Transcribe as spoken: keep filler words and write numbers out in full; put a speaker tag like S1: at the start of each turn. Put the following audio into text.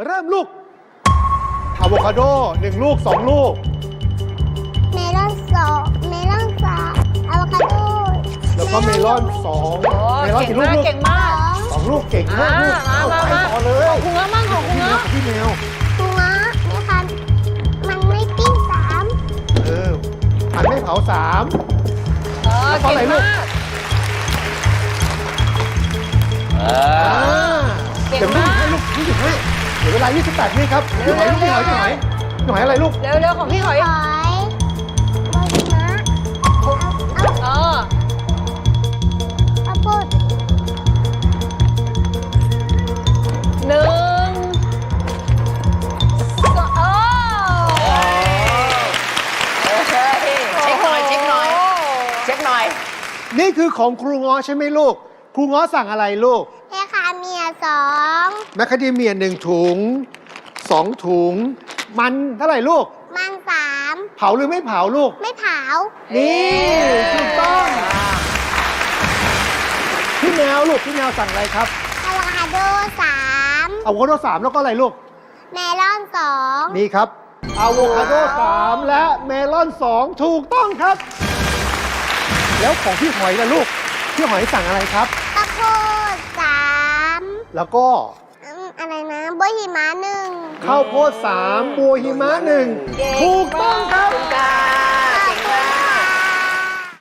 S1: เริ่มลูกอะโวคาโดหนึ่งลูกสองลูก
S2: เมลอนสองเมลอนสามอะโวคาโด
S1: แล้วก็เมลอนสอง
S3: โอ้
S1: เมลอน
S3: เก่ง
S1: กี่ลูก
S3: มาก
S1: ลูก
S3: เก่งมาก
S1: สองลูกเก่งมากลูก
S3: อ่า
S1: เอา
S3: มา
S1: ไป
S3: มา
S1: ต่อเลย
S3: ของคุณเงาะมั่งของคุณ
S1: พี่แมว
S3: เงาะ
S1: พี่แมว
S2: หัวไม่คันมันไม่ปิ้งสาม
S1: เออผัดไม่เผาสาม
S3: เออ
S1: แล้วก็
S3: เก่
S1: อะไร
S3: ง
S1: ลูก
S3: มาก
S4: เอ
S1: อ่า
S4: อ
S3: เก่ง
S1: เดี๋ยว
S3: มาก
S1: ให้ลูกยี่สิบห้าเดี๋ยวเวลายี่สิบแปดวิครับพี่หอยลูกพี่หอยพี่หอยพี่หอยอะไรลูก
S3: เร็วเร็วของพี่หอย
S2: หอยบอยมะเอาเอา
S3: เออ
S2: เอาพูด
S3: หนึ่งสองเออ
S4: โอเคเช็คหน่อยเช็คหน่อยเช็คหน่อย
S1: นี่คือของครูง้อใช่ไหมลูก ครูง้อสั่งอะไรลูก
S2: เฮคาเมียสอง
S1: แมคคาเดเมียหนึ่งถุงสองถุง มันเท่าไหร่ลูก
S2: มันสาม
S1: เผาหรือไม่เผาลูก
S2: ไม่เผา
S1: นี่ถูกต้องพี่แมวลูกพี่แมวสั่งอะไรครับ
S2: อะโวคาโดสาม
S1: อะโวคาโดสามแล้วก็อะไรลูก
S2: เมลอนสอง
S1: นี่ครับอะโวคาโดสามและเมลอนสองถูกต้องครับ แล้วของพี่หอยล่ะลูก พี่หอยสั่งอะไรครับ
S2: ข้าวโพดสาม
S1: แล้วก็
S2: อืมอะไรนะบอยหิมะหนึ่ง
S1: ข้าวโพดสามบัวหิมะหนึ่งถูกต้องครับ
S4: จ้า